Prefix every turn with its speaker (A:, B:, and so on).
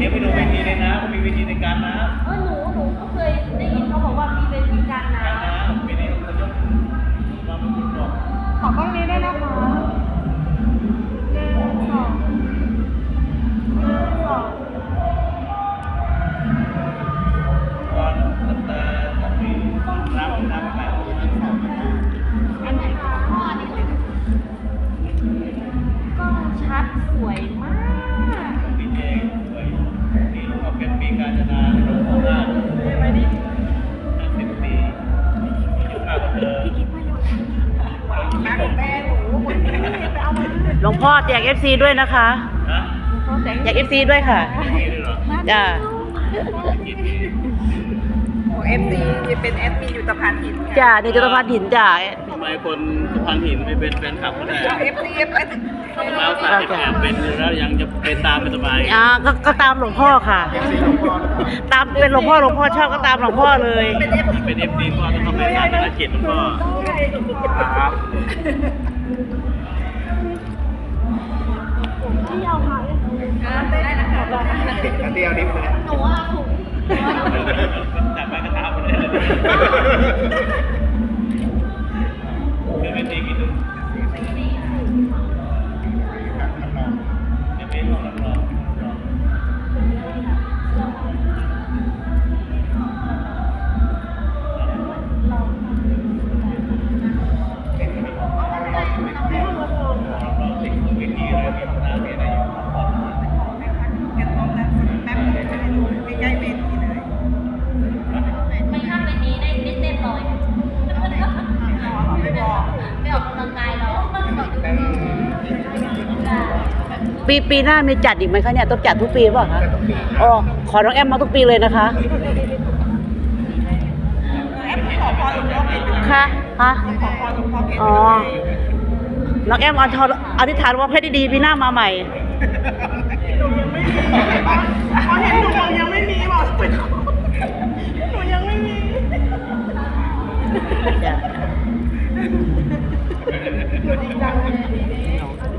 A: ดี๋ยวไปดูเวทีเลยนะมีเวทีในการน้ำ
B: หนูก็เคยได้ยินเขาบอกว่ามีเวทีการน้
A: ำปีนี้เขายกมาเป็นคุณบอก
B: ขอกล้องนี้ได้นะคะ
A: ก่อนตั้งแต่ปีน้ำแบบ
B: อันไหนพ่อนี่เลยกล้องชัดสวยมาก
A: ปีเองสวยนี่เขาเป็นปีการจนาหลวงพ่อหน้า
B: ไปดิ
A: 50 ปียุคมากกว่าเดิม
C: หลวงพ่อแจก FC ด้วยนะคะแจก FC ด้วยค่ะจ้า
D: เอฟซีเป็นแอดมินอยู่ตะพานหิน
C: จ้านี่จะตะพานหินจ้า
A: ทำไมคนสะพานหินไม่เป็นแฟนคลับเขาได้
D: เอฟซี
A: แล้ว30 เป็นแล้วยังจะเป็นตามเป็นสบาย
C: ก็ตามหลวงพ่อค่ะตามเป็นหลวงพ่อชอบก็ตามหลวงพ่อเลย
A: เป็นFDพ่อต้องเข้าไปตามภารกิจหลวงพ่อครับ
B: ที่ยาวค่ะได้นะคะ
D: เดียวนิดนึง
B: หนูว่าถูก
A: จับไปกระทำเลยคือเป็นดีกี่ตุ้มจะเป็นของเรา
B: ไม่ข้ามเวทีได้เต้นเลยไม่ออกกำลังกายแล้ว
C: ปีหน้ามีจัดอีกไหมคะเนี่ยต้องจัดทุกปีเปล่ะคะอ๋อขอน้องแอมมาทุกปีเลยนะคะค่ะฮะอ๋อน้องแอมอธิษฐานว่าเพชรดีๆปีหน้ามาใหม่
D: พอเห็นหนูยังไม่มีบอกหนูยังไม่มี
C: จ้ะ